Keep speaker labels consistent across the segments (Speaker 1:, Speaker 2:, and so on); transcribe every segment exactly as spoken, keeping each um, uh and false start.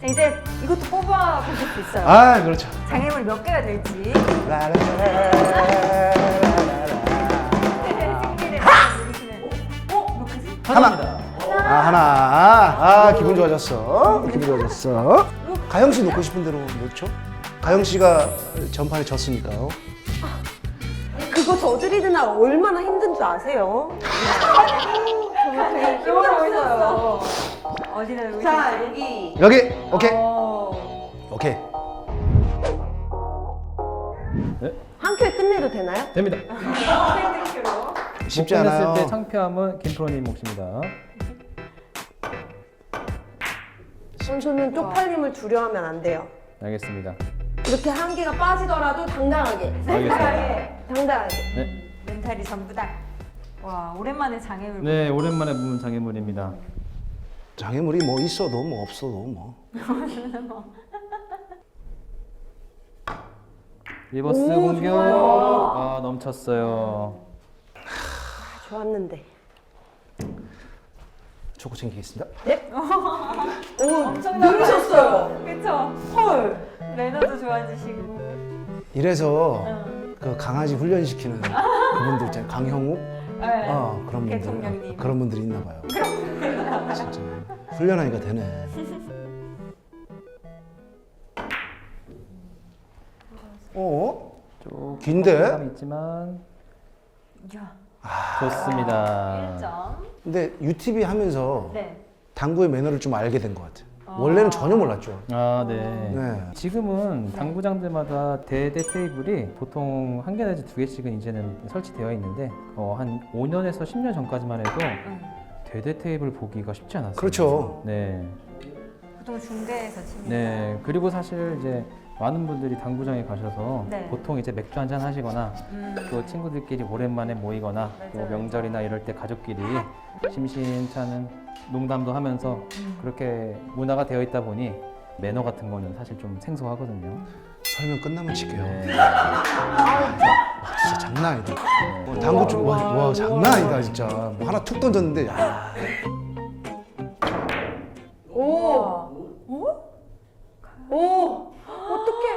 Speaker 1: 자, 이제 이것도 뽑아보실 수 있어요.
Speaker 2: 아, 그렇죠.
Speaker 1: 장애물 몇 개가 될지.
Speaker 2: 라라라라라라라라.
Speaker 1: 승리를 누르시면. 어? 몇 개지?
Speaker 2: 하나. 아, 하나. 아, 기분 좋아졌어. 기분 좋아졌어. 가영 씨 놓고 싶은 대로 놓죠. 가영 씨가 전판에 졌으니까요.
Speaker 3: 그거 저지르는 날 얼마나 힘든 줄 아세요? 정말 되게 힘들어 보여요.
Speaker 1: 어디다 놓으실지.
Speaker 3: 자, 여기.
Speaker 2: 여기. 오케이.
Speaker 1: 어.
Speaker 2: 오케이.
Speaker 3: 한 큐에 끝내도 되나요?
Speaker 4: 됩니다.
Speaker 2: 쉽지
Speaker 4: 못
Speaker 2: 않아요.
Speaker 4: 끝냈을 때 창피함은 김프로님 몫입니다.
Speaker 3: 선수는 쪽팔림을 두려워하면 안 돼요.
Speaker 4: 알겠습니다.
Speaker 3: 이렇게 한 개가 빠지더라도 당당하게.
Speaker 4: 알겠습니다.
Speaker 3: 당당하게.
Speaker 4: 네,
Speaker 1: 멘탈이 전부다. 와, 오랜만에 장애물.
Speaker 4: 네 오랜만에 보는 장애물입니다.
Speaker 2: 장애물이 뭐 있어도 뭐 없어도 뭐.
Speaker 4: 리버스
Speaker 3: 오,
Speaker 4: 공격.
Speaker 3: 좋아요.
Speaker 4: 아 넘쳤어요.
Speaker 3: 좋았는데.
Speaker 2: 초코 챙기겠습니다.
Speaker 3: 오, 누르셨어요.
Speaker 1: 그쵸?
Speaker 3: 헐.
Speaker 1: 매너도 좋아지시고.
Speaker 2: 이래서 그 강아지 훈련시키는 그분들 있잖아요. 강형욱?
Speaker 1: 네.
Speaker 2: 어, 그런 분들.
Speaker 1: 대통령님.
Speaker 2: 그런 분들이 있나 봐요. 진짜 훈련하니까 되네. 어?
Speaker 4: 조금
Speaker 2: 긴데?
Speaker 4: 부담감이 있지만
Speaker 1: 이야.
Speaker 4: 좋습니다.
Speaker 1: 일 점.
Speaker 2: 근데 유티비 하면서
Speaker 1: 네.
Speaker 2: 당구의 매너를 좀 알게 된 것 같아요. 원래는 전혀 몰랐죠.
Speaker 4: 아 네.
Speaker 2: 네.
Speaker 4: 지금은 당구장들마다 대대 테이블이 보통 한 개 내지 두 개씩은 이제는 설치되어 있는데 어, 한 오 년에서 십 년 전까지만 해도
Speaker 1: 응.
Speaker 4: 대대 테이블 보기가 쉽지 않았어요.
Speaker 2: 그렇죠.
Speaker 4: 네.
Speaker 1: 보통 중대에서 칩니다.
Speaker 4: 네. 그리고 사실 이제 많은 분들이 당구장에 가셔서
Speaker 1: 네.
Speaker 4: 보통 이제 맥주 한잔 하시거나
Speaker 1: 음.
Speaker 4: 또 친구들끼리 오랜만에 모이거나 또
Speaker 1: 맞아요,
Speaker 4: 명절이나 이럴 때 가족끼리 심심찮은 농담도 하면서
Speaker 1: 음.
Speaker 4: 그렇게 문화가 되어 있다 보니 매너 같은 거는 사실 좀 생소하거든요.
Speaker 2: 설명 끝나면 칠게요.
Speaker 4: 네.
Speaker 2: 와, 진짜 장난 아니다. 어, 당구 좀, 와, 와, 장난 아니다, 진짜. 뭐 하나 툭 던졌는데, 야.
Speaker 1: 오.
Speaker 3: 오. 어떡해.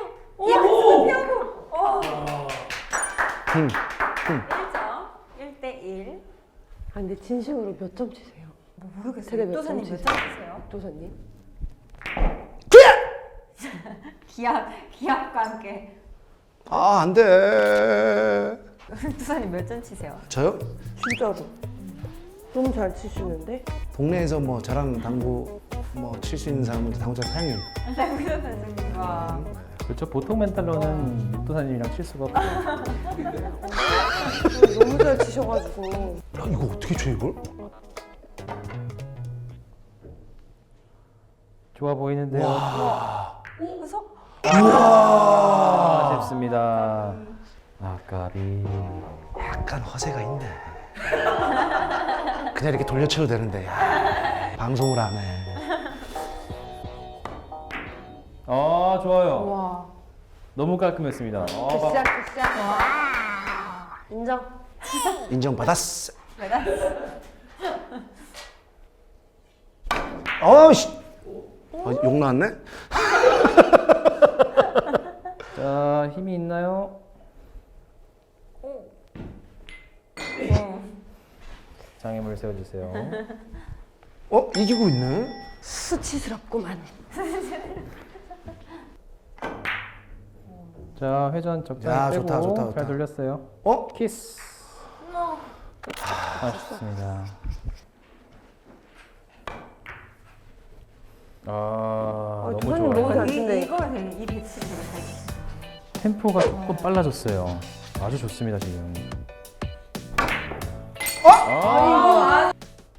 Speaker 2: 응.
Speaker 1: 일 점. 일 대 일.
Speaker 3: 아, 근데 진심으로 몇 점 치세요?
Speaker 1: 뭐 모르겠어요.
Speaker 3: 세대 몇
Speaker 1: 도사님
Speaker 3: 점
Speaker 1: 몇
Speaker 3: 치세요?
Speaker 1: 점 치세요?
Speaker 3: 도사님?
Speaker 1: 기합, 기합과 함께.
Speaker 2: 아, 안 돼.
Speaker 1: 도사님 몇 점 치세요?
Speaker 2: 저요?
Speaker 3: 진짜로. 너무 잘 치시는데?
Speaker 2: 동네에서 뭐 저랑 당구 뭐 칠 수 있는 사람은 당구장 사장님.
Speaker 1: 장구현 선수님. 와.
Speaker 4: 그렇죠. 보통 멘탈로는 육도사님이랑 칠 수가 없고.
Speaker 3: 너무 잘 치셔가지고.
Speaker 2: 야, 이거 어떻게 쳐, 이걸?
Speaker 4: 좋아 보이는데요.
Speaker 1: 그래서
Speaker 4: 아, 아쉽습니다. 아까비.
Speaker 2: 약간 허세가 있네. 그냥 이렇게 돌려쳐도 되는데, 야, 방송을 안 해.
Speaker 4: 아 좋아요.
Speaker 3: 와.
Speaker 4: 너무 깔끔했습니다. 아, 막-
Speaker 3: 굿샷, 굿샷. 인정.
Speaker 2: 인정받았어.
Speaker 1: 메달.
Speaker 2: 어우씨. 어, 욕 나왔네?
Speaker 4: 자 힘이 있나요? 장애물 세워주세요.
Speaker 2: 어? 이기고 있네?
Speaker 3: 수치스럽구만.
Speaker 4: 자 회전
Speaker 2: 야,
Speaker 4: 적당히 빼고
Speaker 2: 좋다, 좋다, 좋다.
Speaker 4: 잘 돌렸어요.
Speaker 2: 어?
Speaker 4: 키스. 아쉽습니다. 아 너무
Speaker 3: 도사님
Speaker 4: 좋아요.
Speaker 3: 너무 잘
Speaker 1: 이,
Speaker 3: 치네.
Speaker 1: 이거 되게 이 배치 되게 잘 치시네.
Speaker 4: 템포가 조금 빨라졌어요. 아주 좋습니다 지금.
Speaker 3: 아,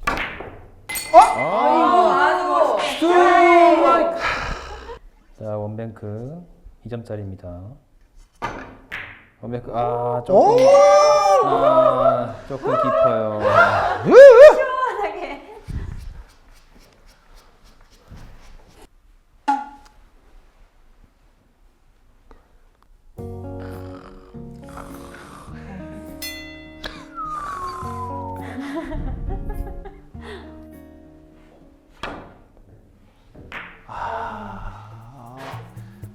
Speaker 4: 자 원뱅크 이 점짜리입니다. 원뱅크 아 조금 아 조금 깊어요.
Speaker 1: 시원하게.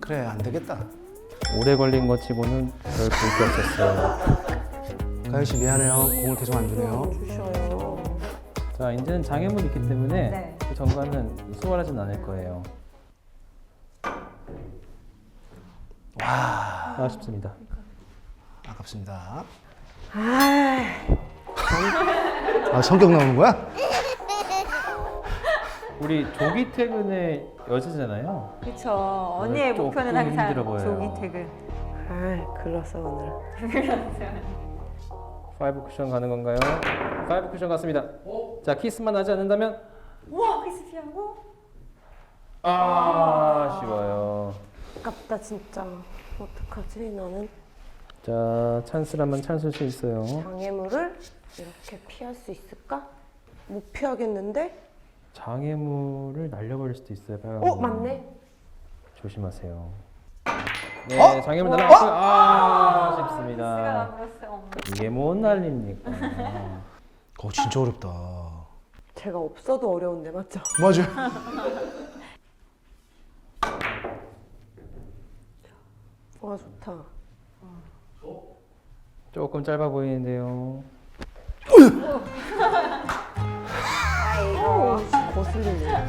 Speaker 2: 그래 안 되겠다.
Speaker 4: 오래 걸린 것 치고는 별 볼 게 없었어요.
Speaker 2: 가영 씨 미안해요. 공을 계속 안 주네요.
Speaker 3: 주셔요.
Speaker 4: 자, 이제는 장애물이 있기 때문에
Speaker 1: 네.
Speaker 4: 그 전관은 수월하진 않을 거예요.
Speaker 2: 와
Speaker 4: 아쉽습니다.
Speaker 2: 아깝습니다.
Speaker 3: 아,
Speaker 2: 아 성격 나오는 거야?
Speaker 4: 우리 조기 퇴근의 여자잖아요.
Speaker 1: 그쵸. 언니의
Speaker 4: 오늘
Speaker 1: 목표는
Speaker 4: 조금
Speaker 1: 항상
Speaker 4: 힘들어 보여요.
Speaker 1: 조기 퇴근.
Speaker 3: 아, 글렀어 오늘.
Speaker 4: 파이브 쿠션 가는 건가요? 파이브 쿠션 갔습니다. 자, 키스만 하지 않는다면
Speaker 1: 우와, 키스 피하고.
Speaker 4: 아, 아쉬워요.
Speaker 3: 아깝다 진짜. 어떡하지 나는?
Speaker 4: 자, 찬스라면 찬스일 수 있어요.
Speaker 3: 장애물을 이렇게 피할 수 있을까? 못 피하겠는데?
Speaker 4: 장애물을 날려버릴 수도 있어요. 빨간
Speaker 3: 어
Speaker 4: 거.
Speaker 3: 맞네.
Speaker 4: 조심하세요. 네,
Speaker 2: 어?
Speaker 4: 장애물 날아갔고요. 아, 아쉽습니다.
Speaker 1: 키스가 나버렸어요.
Speaker 4: 이게 뭔 난리입니까?
Speaker 2: 어 진짜 어렵다.
Speaker 3: 제가 없어도 어려운데 맞죠?
Speaker 2: 맞아.
Speaker 3: 와 좋다.
Speaker 4: 조금 짧아 보이는데요.
Speaker 3: 오, 거슬리네.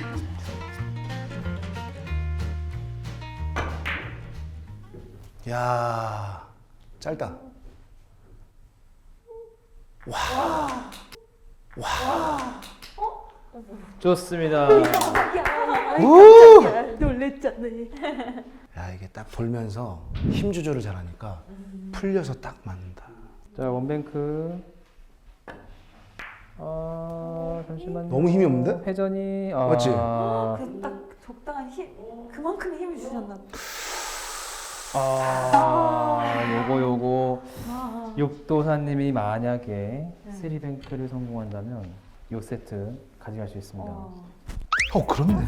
Speaker 2: 야 짧다.
Speaker 4: 좋습니다.
Speaker 2: 우!
Speaker 3: 놀랬잖아.
Speaker 2: 야 이게 딱 돌면서 힘 조절을 잘하니까 풀려서 딱 맞는다.
Speaker 4: 자, 원뱅크. 아, 잠시만요.
Speaker 2: 너무 힘이 없는데?
Speaker 4: 회전이. 아,
Speaker 2: 맞지?
Speaker 1: 그 딱 적당한 힘, 그만큼 힘을 주셨나 봐.
Speaker 4: 아, 요거 요거.
Speaker 1: 아,
Speaker 4: 육도사님이 만약에 쓰리뱅크를 성공한다면 요 세트 가져갈 수 있습니다.
Speaker 1: 어.
Speaker 2: 어 그렇네.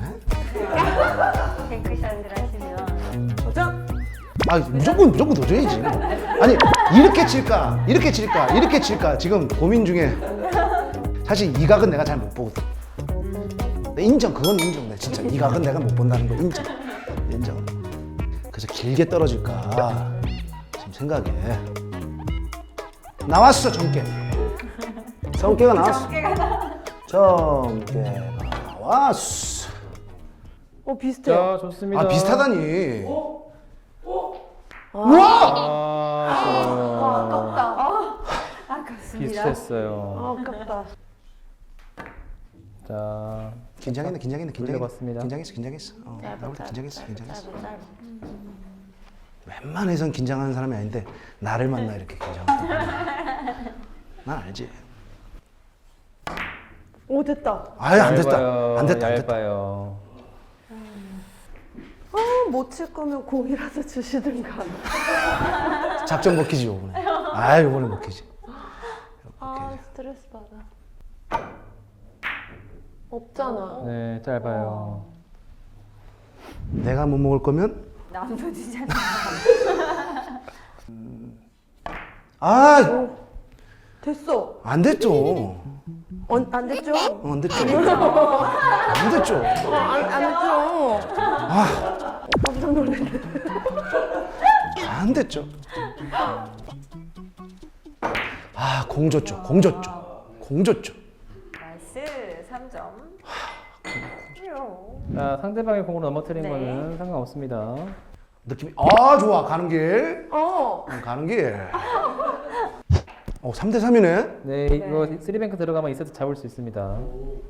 Speaker 1: 뱅크샷을 하시면.
Speaker 3: 도전.
Speaker 2: 아 무조건 무조건 도전이지. 아니 이렇게 칠까 이렇게 칠까 이렇게 칠까 지금 고민 중에. 사실 이 각은 내가 잘 못 보거든. 근데 인정 그건 인정. 내 진짜 이 각은 내가 못 본다는 거 인정. 인정. 그래서 길게 떨어질까 지금 생각해. 나왔어 정깨. 성깨가 나왔어.
Speaker 1: 어깨가 나.
Speaker 2: 정깨가 나왔어.
Speaker 3: 어 비슷해요.
Speaker 4: 자, 좋습니다.
Speaker 2: 아 비슷하다니. 우와!
Speaker 4: 아, 좋아요.
Speaker 1: 아깝다. 아, 아깝습니다.
Speaker 4: 비슷했어요.
Speaker 3: 아, 아깝다.
Speaker 4: 자,
Speaker 2: 긴장했네 긴장했네 긴장했네.
Speaker 4: 돌려봤습니다.
Speaker 2: 긴장했어 긴장했어. 어,
Speaker 3: 짧아,
Speaker 2: 나올 때
Speaker 3: 짧아,
Speaker 2: 긴장했어
Speaker 3: 짧아,
Speaker 2: 긴장했어.
Speaker 3: 짧아, 짧아.
Speaker 2: 웬만해선 긴장하는 사람이 아닌데 나를 만나 이렇게 긴장하고. 난 알지.
Speaker 3: 오 됐다.
Speaker 2: 아유 안 됐다
Speaker 4: 얇아요.
Speaker 2: 안 됐다 안 됐다.
Speaker 4: 얇아요.
Speaker 3: 아, 못 칠 거면 공이라도 주시든가.
Speaker 2: 작전 먹히지 요번에. 아 요번에 먹히지.
Speaker 3: 아 스트레스 받아. 없잖아.
Speaker 4: 네, 짧아요.
Speaker 2: 내가 못 먹을 거면
Speaker 1: 남도 주잖아.
Speaker 2: 아
Speaker 3: 됐어.
Speaker 2: 안 됐죠.
Speaker 3: 어, 안 됐죠?
Speaker 2: 어, 안 됐죠. 안 됐죠.
Speaker 3: 어, 안, 안 됐죠?
Speaker 2: 아
Speaker 3: 깜짝 놀랐네.
Speaker 2: 안 됐죠. 아 공 줬죠 공 줬죠 공 줬죠.
Speaker 1: 나이스 삼 점.
Speaker 4: 자, 상대방의 공으로 넘어뜨린
Speaker 1: 네.
Speaker 4: 거는 상관없습니다.
Speaker 2: 느낌이 아 좋아 가는 길.
Speaker 3: 어.
Speaker 2: 응, 가는 길. 어 삼 대 삼이네.
Speaker 4: 네, 이거 쓰리뱅크 들어가면 이 세트 잡을 수 있습니다.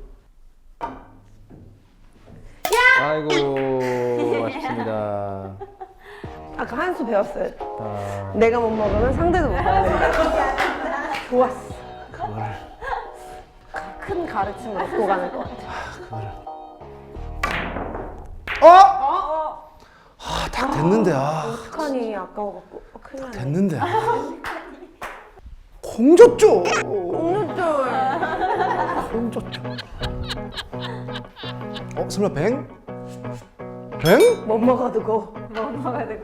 Speaker 4: 아이고, 아쉽습니다.
Speaker 3: 아까 한 수 배웠어요.
Speaker 4: 자,
Speaker 3: 내가 못 먹으면 상대도 못 먹는다. 좋았어.
Speaker 2: 그거를
Speaker 3: 큰 가르침을 얻고 가는 것 같아.
Speaker 2: 그거를. 어? 아딱 됐는데 아
Speaker 3: 어떡하니 아까워갖고. 어, 큰일 났네.
Speaker 2: 됐는데. 공 줬죠.
Speaker 3: 공유줄.
Speaker 2: 공 줬죠. 어 설마 뱅? 뱅?
Speaker 3: 못 먹어두고.
Speaker 1: 뭐 먹어야 되고.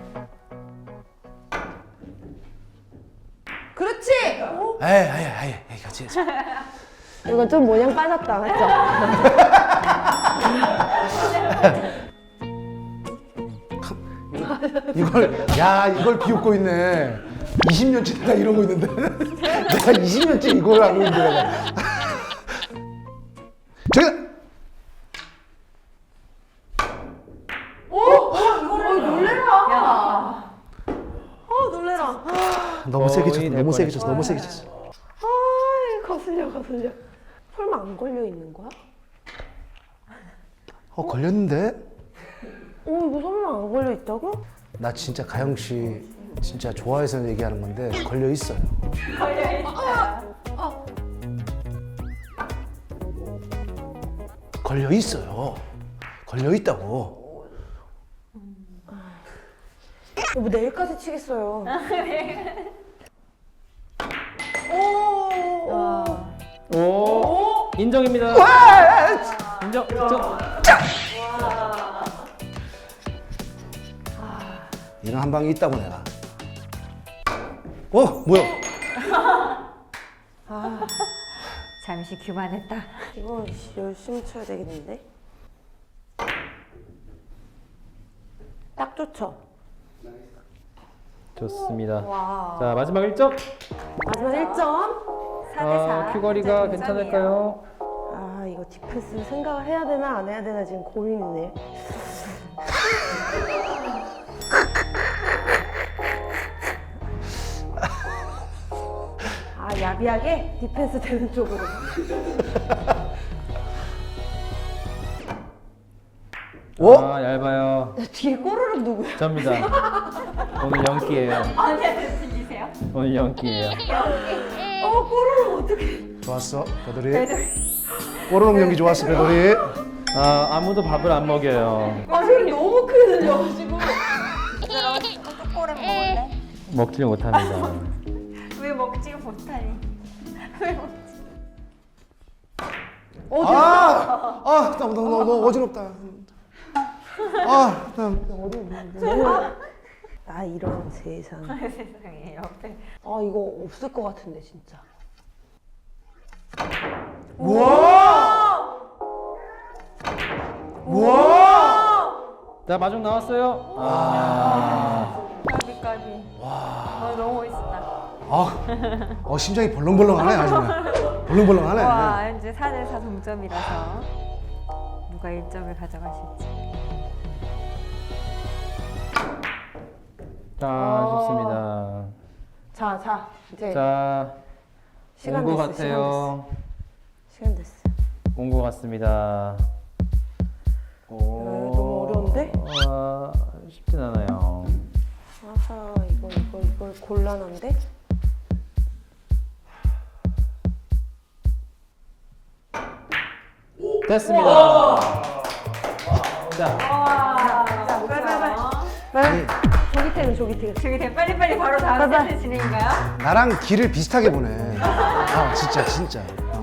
Speaker 3: 그렇지!
Speaker 2: 에이 에이 에이 에이 그렇지.
Speaker 3: 이거 좀 모양 빠졌다, 맞죠?
Speaker 2: 이걸 야 이걸 비웃고 있네. 이십 년째 내가 이러고 있는데 내가 이십 년째 이걸 하고 있는데 내가. 제가
Speaker 3: 어 놀래라.
Speaker 2: 너무 세게 쳤어.
Speaker 4: 거의
Speaker 2: 너무
Speaker 4: 될
Speaker 2: 세게 쳤어. 너무 세게 쳤어.
Speaker 3: 아 거슬려 거슬려. 설마 안 걸려 있는 거야?
Speaker 2: 어 걸렸는데?
Speaker 3: 어 이거 설마 안 걸려 있다고?
Speaker 2: 나 진짜 가영 씨 진짜 좋아해서 얘기하는 건데 걸려 있어요. 걸려 있어요. 걸려 있다고.
Speaker 3: 여보 내일까지 치겠어요.
Speaker 4: 오, 인정입니다. 인정. 인정.
Speaker 2: 이런 한 방이 있다고 내가. 어 뭐야?
Speaker 1: 잠시 교만했다.
Speaker 3: 이거 열심히 쳐야 되겠는데? 딱 좋죠?
Speaker 4: 좋습니다.
Speaker 1: 와.
Speaker 4: 자, 마지막 일 점.
Speaker 3: 마지막 일 점.
Speaker 1: 사 대 사.
Speaker 4: 아, 큐거리가 괜찮을까요?
Speaker 3: 아 이거 디펜스 생각을 해야 되나 안 해야 되나 지금 고민이네. 아 야비하게 디펜스 되는 쪽으로.
Speaker 2: 어?
Speaker 4: 아, 얇아요.
Speaker 3: 뒤에 꼬르륵 누구야?
Speaker 4: 접니다. 오늘 연기예요.
Speaker 1: 아니한테 들리세요?
Speaker 4: 오늘 연기예요.
Speaker 3: 어 꼬르륵 어떡해.
Speaker 2: 좋았어 배돌이. 꼬르륵 연기 좋았어 배돌이.
Speaker 4: 아, 아무도 밥을 안 먹여요.
Speaker 3: 아 소리 너무 크게 들려가지고.
Speaker 1: 얘들아, 초코꼬를 먹을래?
Speaker 4: 먹질 못합니다.
Speaker 1: 왜 먹지 못하니? 왜 먹지?
Speaker 3: 어
Speaker 2: 아, 아, 너무 너무 너무 어지럽다. 아, 나
Speaker 3: 나 이런 세상.
Speaker 1: 세상에 옆에.
Speaker 3: 아 이거 없을 것 같은데 진짜.
Speaker 2: 우와, 우와.
Speaker 4: 자, 마중 나왔어요. 아,
Speaker 1: 까비 까비. 와. 어, 너무 멋있다.
Speaker 2: 아, 어 심장이 벌렁벌렁하네 아주 그냥. 벌렁벌렁하네.
Speaker 1: 와, 현재 사 대 사 동점이라서 누가 일 점을 가져가실지.
Speaker 4: 자, 좋습니다.
Speaker 3: 자, 자, 이제
Speaker 4: 자,
Speaker 3: 시간
Speaker 4: 온 것
Speaker 3: 됐어,
Speaker 4: 같아요.
Speaker 3: 시간 됐어.
Speaker 4: 온 것 같습니다. 오,
Speaker 3: 너무 어려운데?
Speaker 4: 아, 쉽진 않아요.
Speaker 3: 아하, 이거, 이거, 이거 곤란한데?
Speaker 4: 됐습니다. 자,
Speaker 1: 자, 빨리빨리.
Speaker 3: 빨리. 조기태는 조기태.
Speaker 1: 저기 돼 빨리빨리 바로 다음 세트 진행인가요?
Speaker 2: 나랑 길을 비슷하게 보네. 아, 진짜 진짜.